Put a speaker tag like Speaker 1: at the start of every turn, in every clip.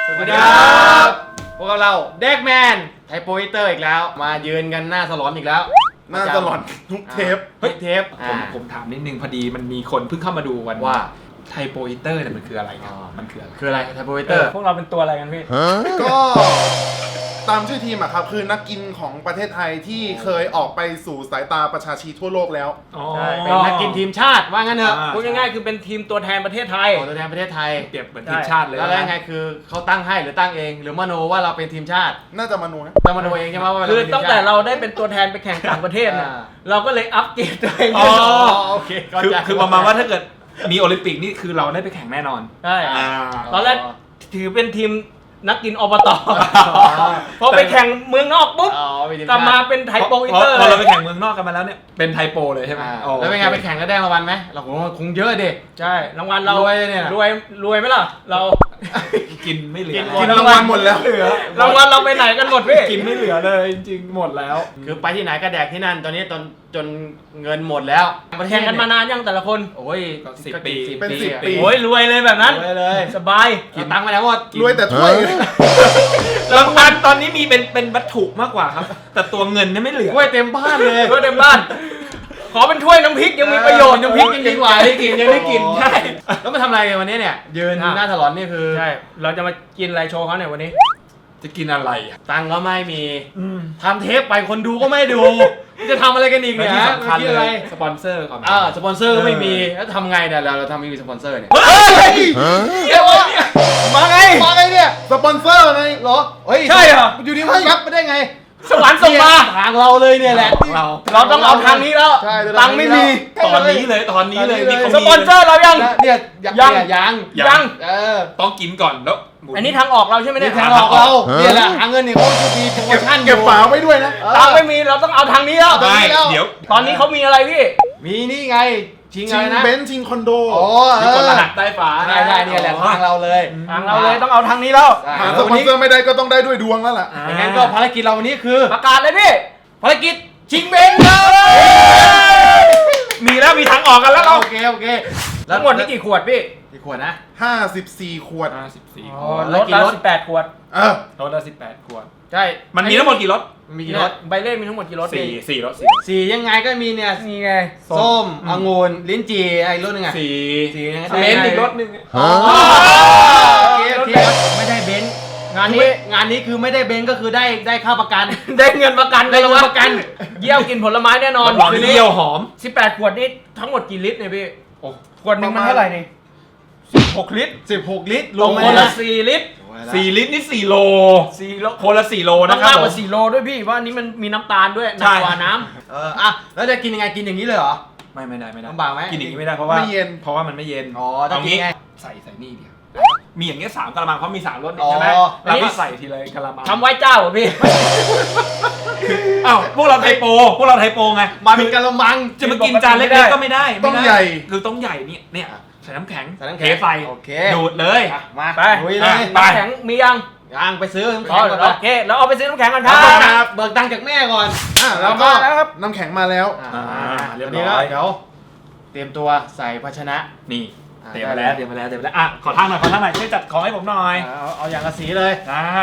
Speaker 1: สวัสดีครับพวกเราเด็กแมนไทโปอิเตอร์อีกแล้วมายืนกันหน้าสลอนอีกแล้ว
Speaker 2: หน้าสลอนทุกเทป
Speaker 1: เทป
Speaker 3: ผมถามนิดนึงพอดีมันมีคนเพิ่งเข้ามาดูวัน
Speaker 1: ว่า
Speaker 3: ไทโปอิเตอร์เนี่ยมันคืออะไรครับมันคืออะไร
Speaker 1: ไทโปอิเตอร์
Speaker 4: พวกเราเป็นตัวอะไรกันพี่
Speaker 2: ก็ตามชื่อทีมอะครับคือนักกินของประเทศไทยที่เคยออกไปสู่สายตาประชาชนทั่วโลกแล้ว
Speaker 1: ใช่เป็นนักกินทีมชาติว่างั้นเถอะ
Speaker 4: พูดง่ายๆคือเป็นทีมตัวแทนประเทศไทย
Speaker 1: ตัวแทนประเทศไทย
Speaker 3: เปรียบเหมือนทีมชาติเลย
Speaker 1: แล้วยังไงคือเขาตั้งให้หรือตั้งเองหรือมโนว่าเราเป็นทีมชาติ
Speaker 2: น่าจะมโนนะ
Speaker 1: จะมโนเองใช่ไหมว่า
Speaker 4: คือตั้งแต่เราได้เป็นตัวแทนไปแข่งต่างประเทศเนี่ยเราก็เลยอัปเกรดตัวเอง
Speaker 1: โอเค
Speaker 3: คือประมาณว่าถ้าเกิดมีโอลิมปิกนี่คือเราได้ไปแข่งแน่นอน
Speaker 4: ใช่ตอนแรกถือเป็นทีมนักกินอบตพอไปแข่งเมืองนอกปุ๊บกลับมาเป็นไทโปอิเตอร์
Speaker 3: พอเราไปแข่งเมืองนอกกันมาแล้วเนี่ยเป็นไทโปเลยใช่ไหม
Speaker 1: แล้วเป็นไงไปแข่งแล้วได้รางวัลไหมเราคงเยอะดิ
Speaker 4: ใช่รางวัลเรา
Speaker 1: รวย
Speaker 4: ไหมล่ะเรา
Speaker 3: กินไม่เหลือ
Speaker 2: กินรางวัลหมดแล้ว
Speaker 4: รางวัลเราไปไหนกันหมดพี่
Speaker 3: กินไม่เหลือเลยจริงๆหมดแล้ว
Speaker 1: คือไปที่ไหนก็แดกที่นั่นตอนนี้จนเงินหมดแล้ว
Speaker 4: แข่งกันมานานยังแต่ละคน
Speaker 1: โอ้ย
Speaker 2: 10 ปี
Speaker 4: โอ้ยรวยเลยแบบนั้น
Speaker 1: เลย
Speaker 4: สบาย
Speaker 1: กินตังค์ไปแล้วหมด
Speaker 2: รวยแต่ถ้วย
Speaker 3: รางวัลตอนนี้มีเป็นวัตถุมากกว่าครับแต่ตัวเงินเนี่ยไม่เหลือ
Speaker 1: ถ้วยเต็มบ้านเลย
Speaker 4: ถ้วยเต็มบ้านขอเป็นถ้วยน้ำพริกยังมีประโยชน์
Speaker 1: น้ำพริกยังดีกว่าได้กินยังได้กิน
Speaker 4: ใช่
Speaker 1: แล้วมาทำอะไรกันวันนี้เนี่ยยืนหน้าถลอนนี่คือ
Speaker 4: ใช่เราจะมากินอะไรโชว์เขาเนี่ยวันนี้
Speaker 3: จะกินอะไร
Speaker 1: ตังก็ไม่มีทำเทปไปคนดูก็ไม่ดูจะทำอะไรกันอีกเนี่ย
Speaker 3: ที่สำคัญเลยสปอนเซอร์ก่อน
Speaker 1: สปอนเซอร์ไม่มีแล้วทำไงเนี่ยเราทำไม่มีสปอนเซอร์เนี่ย
Speaker 4: มาไง
Speaker 1: เนี่ย
Speaker 2: สปอนเซอร์ไง
Speaker 1: เหรอเฮ้ย
Speaker 4: ใช่เหรอ
Speaker 1: อยู่ดีมันรับไปได้ไง
Speaker 4: สวรรค์ส่งมา
Speaker 1: ทางเราเลยเนี่ยแหละ
Speaker 4: เราต้องเอาทางนี้แล้วตังไม่มี
Speaker 3: ตอนนี้เลย
Speaker 4: สปอนเซอร์เรายัง
Speaker 1: เนี่ยยัง
Speaker 3: ต้องกินก่อนแล้ว
Speaker 4: อันนี้ทางออกเราใช่ไหมเนี่ย
Speaker 1: ทางออกเราเนี่ยแหละหาเงินนี่เขาจะมีโปรโมชั่น
Speaker 2: เก็บฝาไว้ด้วยนะ
Speaker 4: ตังไม่มีเราต้องเอาทางนี้แล้ว
Speaker 3: เดี๋ยว
Speaker 4: ตอนนี้เขามีอะไรพี่
Speaker 1: มีนี่ไงชิงอะไรนะ
Speaker 2: เบนซ์ชิงคอนโด
Speaker 3: มีกดรหัสใต้ฝา
Speaker 1: ได้เนี่ยแหละทางเราเลย
Speaker 4: ต้องเอาทางนี้แล้ว
Speaker 2: หาสปอนเซอร์ไม่ได้ก็ต้องได้ด้วยดวงแล้วล่ะ
Speaker 1: อย่างนั้นก็ภารกิจเราวันนี้คือ
Speaker 4: ประกาศเลยพี่
Speaker 1: ภารกิจชิงเบนซ์
Speaker 4: มีแล้วมีทางออกกันแล้ว
Speaker 1: โอเค
Speaker 4: ทั้งหมดนี่กี่ขวดพี่
Speaker 1: กี่ขวดนะ
Speaker 2: 54 ขวด
Speaker 4: รถละ18 ขวด
Speaker 3: รถละ18 ขวด
Speaker 1: ใช่
Speaker 3: มันมีทั้งหมดกี่รถ
Speaker 1: มีกี่รถ
Speaker 4: ใบเล่มีทั้งหมดกี่รถ
Speaker 3: 4 รถ
Speaker 1: 4ยังไงก็มีเนี่ย
Speaker 4: นี่ไง
Speaker 1: ส้มองุ่นลิ้นจี่ไอ้รถนึงอ่ะ
Speaker 3: 4เบนซ์อีกรถนึง
Speaker 1: โอเคไม่ได้เบนซ์งานนี้คือไม่ได้เบนซ์ก็คือได้ค่าประกัน
Speaker 4: ได้เงินประกัน
Speaker 1: ได้เงินประกัน
Speaker 4: เยี่ยวกินผลไม้แน่นอน
Speaker 3: คือเยี่ยวหอม
Speaker 4: 18 ขวดนี่ทั้งหมดกี่ลิตรเนี่ยพี่ขวดนึงมันเท่าไหร่นี่
Speaker 1: 16 ลิตร
Speaker 4: รวมคนละ4 ลิตร
Speaker 3: 4 ลิตรนี่4 โลคนละ4 โลนะครับ
Speaker 4: มากกว่า4 โลด้วยพี่ว่านี้มันมีน้ำตาลด้วยหนักกว่าน้
Speaker 1: ำแล้วจะกินยังไงกินอย่างนี้เลยเหรอ
Speaker 3: ไม่ได้
Speaker 1: ลำบากไหม
Speaker 3: กินอย่างนี้ไม่ได้เพราะว่ามันไม่เย็น
Speaker 1: ต้องกินไง
Speaker 3: ใส่นี่เดียวมีอย่างเงี้ย3 กะละมังเพราะมี3 รสใช่ไหมแล้วก็ใส่ทีละกะละมัง
Speaker 4: ทำไว้เจ้าเหรอพี่
Speaker 3: อ้าวพวกเราไทโปไง
Speaker 1: มาเป็นกะละมัง
Speaker 3: จะมากินจานเล็กๆก็ไม่ได้
Speaker 2: ต้องใหญ่
Speaker 3: คือต้องใหญ่เนี่ยใส่น้ำแข็งเทใส่ดูดเลย
Speaker 1: มา
Speaker 4: ไปน้ำแข็งมียัง
Speaker 1: ไปซื้อน้ำแข็งก่อน
Speaker 4: โอเคแล้วเอาไปซื้อน้ำแข็งกัน
Speaker 1: ครับเบิกตังค์จากแม่ก่อน
Speaker 2: แล้วก็น้ำแข็งมาแล้ว
Speaker 1: เรียบร้อยเดี๋ยวเตรียมตัวใส่ภาชนะ
Speaker 3: นี่เตรียมมาแล้วอ่ะขอทางหน่อยช่วยจัดของให้ผมหน่อย
Speaker 1: เอาอย่างละสีเลย
Speaker 3: ได้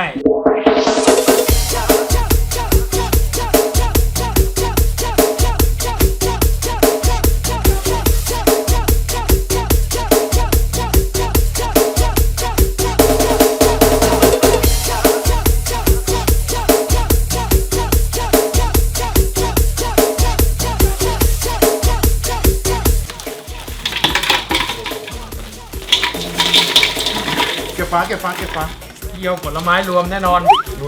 Speaker 2: เก็บฟ้า
Speaker 4: เยี่ยวผลไม้รวมแน่นอน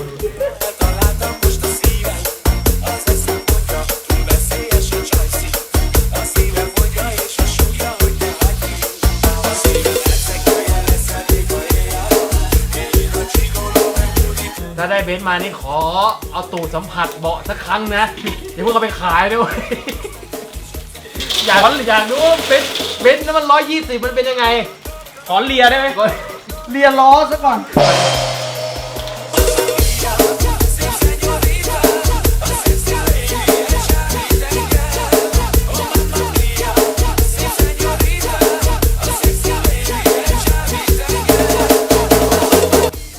Speaker 1: ถ้าได้เบนซ์มานี่ขอเอาตูดสัมผัสเบาะสักครั้งนะเดี๋ยวพวกเขาไปขายด้วยอยากรู้เบนซ์นั้นมัน120มันเป็นยังไง
Speaker 4: ขอเลียได้ไหม
Speaker 1: เลียล้อซะก่อน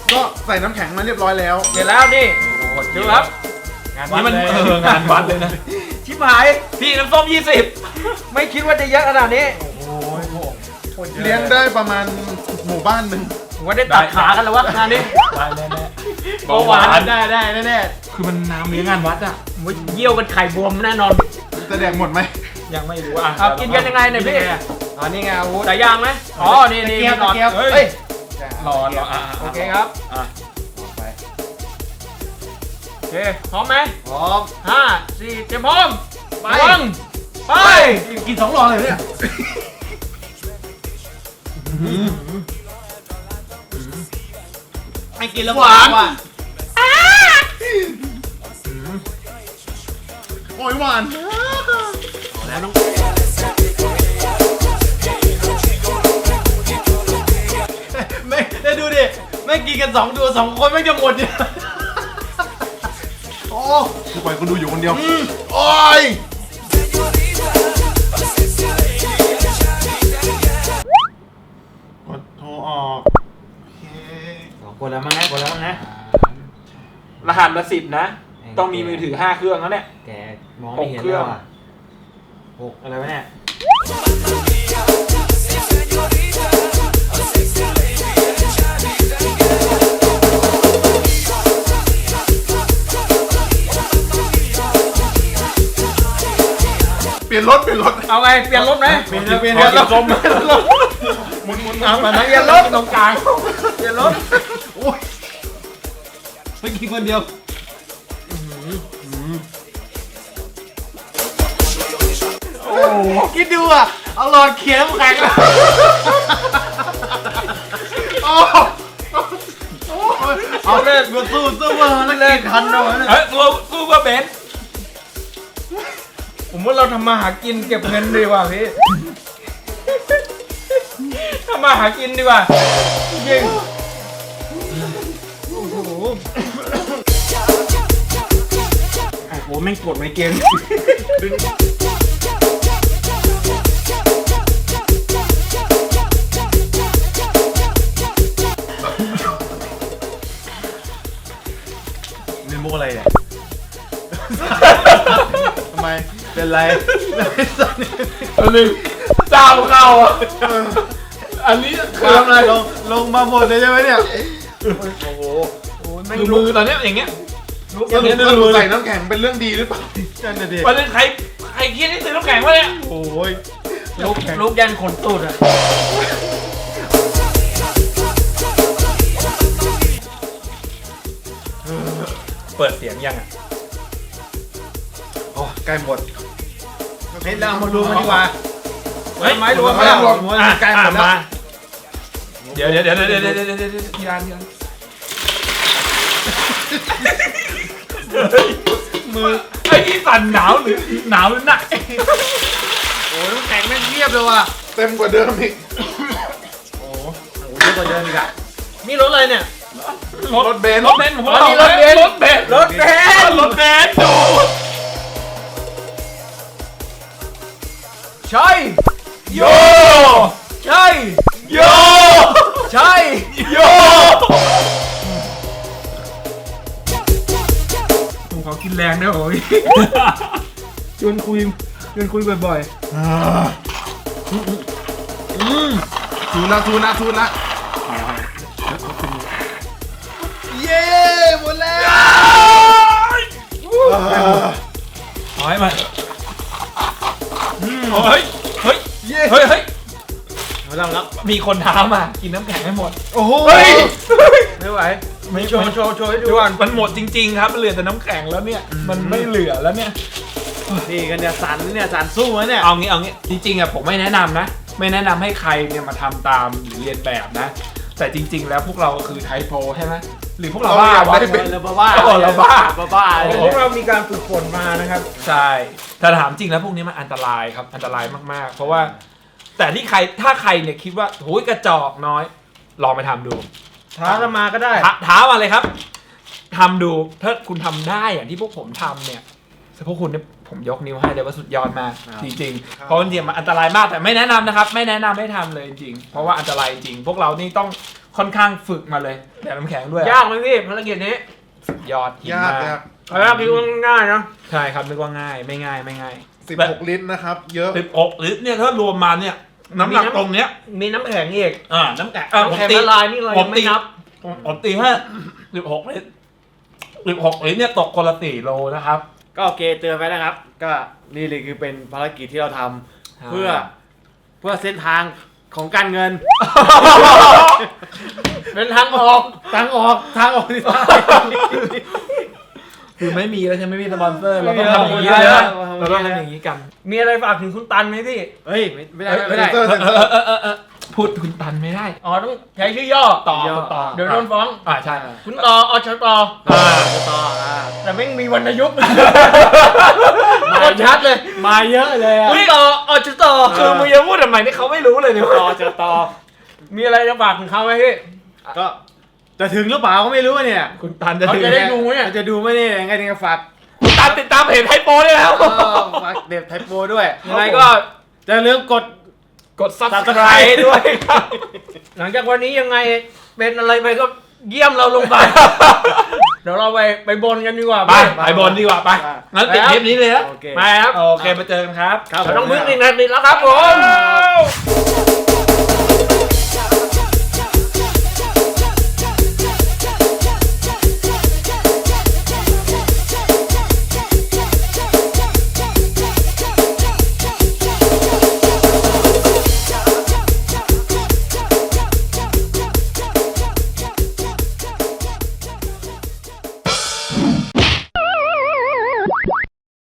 Speaker 2: ก็ใส่น้ำแข็งมาเรียบร้อยแล้ว
Speaker 4: เสร็จแล้วนี่ดูครับ
Speaker 1: งานวั
Speaker 3: นี่
Speaker 1: ด
Speaker 3: มัน
Speaker 1: เลย
Speaker 3: งานวัดเลยนะ
Speaker 4: ชิบหาย
Speaker 3: พี่น้ำส้ม
Speaker 4: ไม่คิดว่าจะเยอะขนาดนี้
Speaker 2: เลี้ยงได้ประมาณหมู่บ้านหนึ่ง
Speaker 4: ผมว่าได้ตัดขากันแล้ววะงานนี้
Speaker 3: 20ได้แน่
Speaker 1: เบาหวานได้แน่
Speaker 3: คือมันน้ำเลี้ยงงานวัดอ่ะ
Speaker 4: ผมว่าเยี่ยวเป็นไข่บวมแน่นอน
Speaker 2: จะแดกหมดไหม
Speaker 3: ยังไม่รู้อ่ะ
Speaker 4: เอากินกันยังไงเนี่ยพี่
Speaker 1: อ๋อนี่ไงอาวุธ
Speaker 4: สายยางไหมอ๋อ นี่นี่
Speaker 1: ตะเกียบ
Speaker 4: หลอด
Speaker 1: ตะเกียบ
Speaker 4: เฮ้
Speaker 1: เฮ้
Speaker 4: ย
Speaker 1: ย
Speaker 3: รออ่ะ
Speaker 4: โอเคครับ
Speaker 3: อ่ะ
Speaker 1: ไป
Speaker 4: โอเค พร้อมไหม
Speaker 1: พร้อม
Speaker 4: 5 4เตรียมพร้อม
Speaker 1: ไป
Speaker 4: ระวังไป
Speaker 1: กิน2หลอดเลยเนี่ย
Speaker 4: ให้กินแล้ว
Speaker 1: หวาน
Speaker 4: ว่ะ
Speaker 2: โอ้ยหวาน
Speaker 1: ไม่ได้ดูดิไม่กินกัน2 คนไม่จะหมดเนี่ย
Speaker 2: โอ้คือปล่อยคนดูอยู่คนเดียวโอ้ยกดโทรออกโอเค
Speaker 4: กดแล้วมั้งนะกดแล้วมั้งนะ
Speaker 3: รหัสละ10นะ ต้องมีมือถือ5เครื่องแล้วเนี่ย
Speaker 4: แกมองไม่เห็น
Speaker 3: 6เครื่อง
Speaker 4: แล้วอ่ะ6อะไรวะเนี่ย
Speaker 2: เปลี่ยนรถ
Speaker 4: เอาไง เปลี่ยนรถไหม
Speaker 1: เปลี่ยนรถ
Speaker 4: หมุนเอามาเปลี่ยนรถตรงกลางเปลี่ยนรถ
Speaker 1: ไม่กินคนเดียวโอ้โหคิดดูอ่ะเอาหลอดเขียนน้ำแข็ง
Speaker 2: โอ้
Speaker 1: เอาเลยมาสู้มาแล้วกินทันเอาเนี่ย
Speaker 3: เฮ้ยสู้กับเบนซ์
Speaker 4: ผมว่าเราทำมาหากินเก็บเงินดีกว่าพี่ทำมาหากินดีกว่าจริงโอ้โหแม่งกดไม่เกม
Speaker 1: นี่มุกอะไรเนี่ยทำไมเป็นไร
Speaker 3: อันนึงเจ้าเข้าอ่ะอันนี้
Speaker 1: คือทำอะไรลงมาหมดเลยใช่ไหมเนี่ย
Speaker 4: โอ้โห
Speaker 3: คือมือตอนเนี้ยอย่างเงี้ย
Speaker 2: สรุปใส่น้ำแข็งเป็นเรื่องดีหรือเปล่า
Speaker 1: นั่นน่ะดิ
Speaker 3: วันนี้ใครคิดที่ซื้อน้ำแข็งวะเนี่ย
Speaker 1: โอ้ย
Speaker 4: ลูกยันขนตูดอ่ะ
Speaker 3: เปิดเสียงยังอ่ะ
Speaker 1: โอ้ใกล้หมดเฮ้ยเรามาดูกันดีกว่า
Speaker 3: เฮ้ย
Speaker 1: ไม้รวมแล้วใกล้หมดแล้ว
Speaker 3: มาเดี๋ยวทีละมือไอ้นี่สั่นหนาวหรือหนัก
Speaker 1: โอ้ยน้ำแข็งแม่งเงียบเลยว่ะ
Speaker 2: เต็มกว่าเดิมอีก
Speaker 1: โอ้โหเยอะกว่าเดิมอีกอะ
Speaker 4: นี่รถอะไรเนี่ย
Speaker 2: รถเบนซ์
Speaker 3: รถเบนซ์ผม
Speaker 4: อ๋อนี่รถเบนซ์
Speaker 3: รถเบนซ์ดู
Speaker 4: ใช่
Speaker 3: โย
Speaker 4: ใช่
Speaker 3: โย
Speaker 4: ใช่
Speaker 3: โย
Speaker 4: ผมขอกินแรงด้วยโอ้ยชวนคุยบ่อย
Speaker 2: ทูนละเย้หมดแล้ว
Speaker 3: ถอยมาเฮ้ยเฮ้ยเฮ้ย
Speaker 4: ๆไม่ต้องรับ
Speaker 3: มีคนท้ามากินน้ำแข็งให้หมด
Speaker 1: โอ้โห
Speaker 3: เฮ้ย
Speaker 4: ไม่ไหวไม่โชว์ให้ดู
Speaker 3: ดู
Speaker 4: ก่อน
Speaker 3: มันหมดจริงๆครับมันเหลือแต่น้ำแข็งแล้วเนี่ยมันไม่เหลือแล้วเนี่ย
Speaker 1: นี่กันเนี่ยสันสู้นะเนี่ย
Speaker 3: เอางี้จริงๆอ่ะผมไม่แนะนำนะ ไม่แนะนำให้ใครเนี่ยมาทำตามหรือเรียนแบบนะ แต่จริง ๆ แล้วพวกเราคือไทโปใช่ไหมหรือพวกเราบ้าวะ
Speaker 1: เราบ้า
Speaker 3: เราบ้า
Speaker 1: บ้า
Speaker 4: พวกเรามีการฝึกฝนมานะครับ
Speaker 3: ใช่แต่ถามจริงแล้วพวกนี้มันอันตรายครับอันตรายมากๆ เพราะว่า แต่ถ้าใครเนี่ยคิดว่าโหยกระจอกน้อยลองไปทำดู
Speaker 4: ท้าเรามาก็ได้
Speaker 3: ท้ามาเลยครับทำดูถ้าคุณทำได้อย่างที่พวกผมทำเนี่ยพวกคุณเนี่ยผมยกนิ้วให้เลยว่าสุดยอดมากจริงๆเพราะจริงๆมันอันตรายมากแต่ไม่แนะนำนะครับ ไม่แนะนำให้ทำเลยจริงๆเพราะว่าอันตรายจริงพวกเรานี่ต้องค่อนข้างฝึกมาเลยแต่น้ำแข็งด้วย
Speaker 4: ยากไหมพี่ภารกิจนี้
Speaker 3: ยอดหิน
Speaker 2: ยาก
Speaker 3: มาก
Speaker 2: ยาก
Speaker 4: ภารกิจง่ายๆนะ
Speaker 3: ใช่ครับนึกว่าง่ายไม่ง่ายไม่ง่าย
Speaker 2: 16 ลิตรนะครับ เยอะ
Speaker 3: 16 ลิตรเนี่ยถ้ารวมมาเนี่ยน้ำหนักตรงเนี้ย
Speaker 4: มีน้ำแข็งอีก
Speaker 3: น้ำแข็ง
Speaker 4: น้ำแข็งละลายนี่เรายังไม่นับ
Speaker 3: ผมตีให้16 ลิตร16 ลิตรเนี่ยตกคนละ4 โลนะครับ
Speaker 1: ก็โอเคเตือนไปนะครับ ก็นี่เลยคือเป็นภารกิจที่เราทำเพื่อเส้นทางของการเงิน
Speaker 4: เป็นทางออก
Speaker 1: ทางออกที่ได้
Speaker 3: คือไม่มีแล้วใช่ไหมไม่มีสปอนเซอร์เรา
Speaker 4: ไม่
Speaker 3: ต้อง
Speaker 4: มี
Speaker 3: ทำอย่างนี้
Speaker 4: แล้ว
Speaker 3: นะเราต้องทำอย่างนี้กัน
Speaker 4: มีอะไรฝากถึงคุณตันไหมพี่
Speaker 1: เฮ้ยไม่ได้ไม่ได้
Speaker 2: เซนเซอร์เซนเซอร์
Speaker 3: พูดคุณตันไม่ได้
Speaker 4: อ๋อต้องใช้ชื่อย่อ
Speaker 3: ต่อ
Speaker 1: เดี๋ยว
Speaker 3: ต่อ
Speaker 4: เดี๋ยวโดนฟ้อง
Speaker 3: ใช่
Speaker 4: คุณต่ออชต
Speaker 1: ต่อ
Speaker 4: แต่ไม่งมีวรรณยุกต์
Speaker 1: มาชัดเลย มาเยอะเลยอ่ะ
Speaker 4: คุณต่ออชต
Speaker 3: คือมึงจะพูดทำไมนี่เขาไม่รู้เลยเนี่ย
Speaker 1: ต่อ
Speaker 4: มีอะไรจะฝากถึงเขาไหมพี่
Speaker 1: ก็จะถึงหรือเปล่าก็ไม่รู้เนี่ย
Speaker 3: คุณตันจะ
Speaker 4: เขา
Speaker 3: ถึง
Speaker 4: จะได้ดูเนี่ย
Speaker 1: จะดูไหมเนี่ยยังไงถึงจะฝาก
Speaker 3: คุณตันติดตามเพจไทยโปรได้แล้ว
Speaker 1: ฝากเด็บไทยโปรด้วย
Speaker 4: ยังไงก็
Speaker 1: จะลืมกด
Speaker 3: กด subscribe ด้วยครับ
Speaker 4: หลังจากวันนี้ยังไงเป็นอะไรไปก็เยี่ยมเราลงไป เดี๋ยวเราไปบนกันดีกว่า
Speaker 3: ไปบนดีกว่าไปงั้นปิดคลิปนี้เลยนะ
Speaker 1: โอเค
Speaker 4: ไปครับ
Speaker 3: โอเคมาเจอกันครับ
Speaker 1: ครับ
Speaker 4: เราต้องพึ่งอีกนาทีแล้วครับผม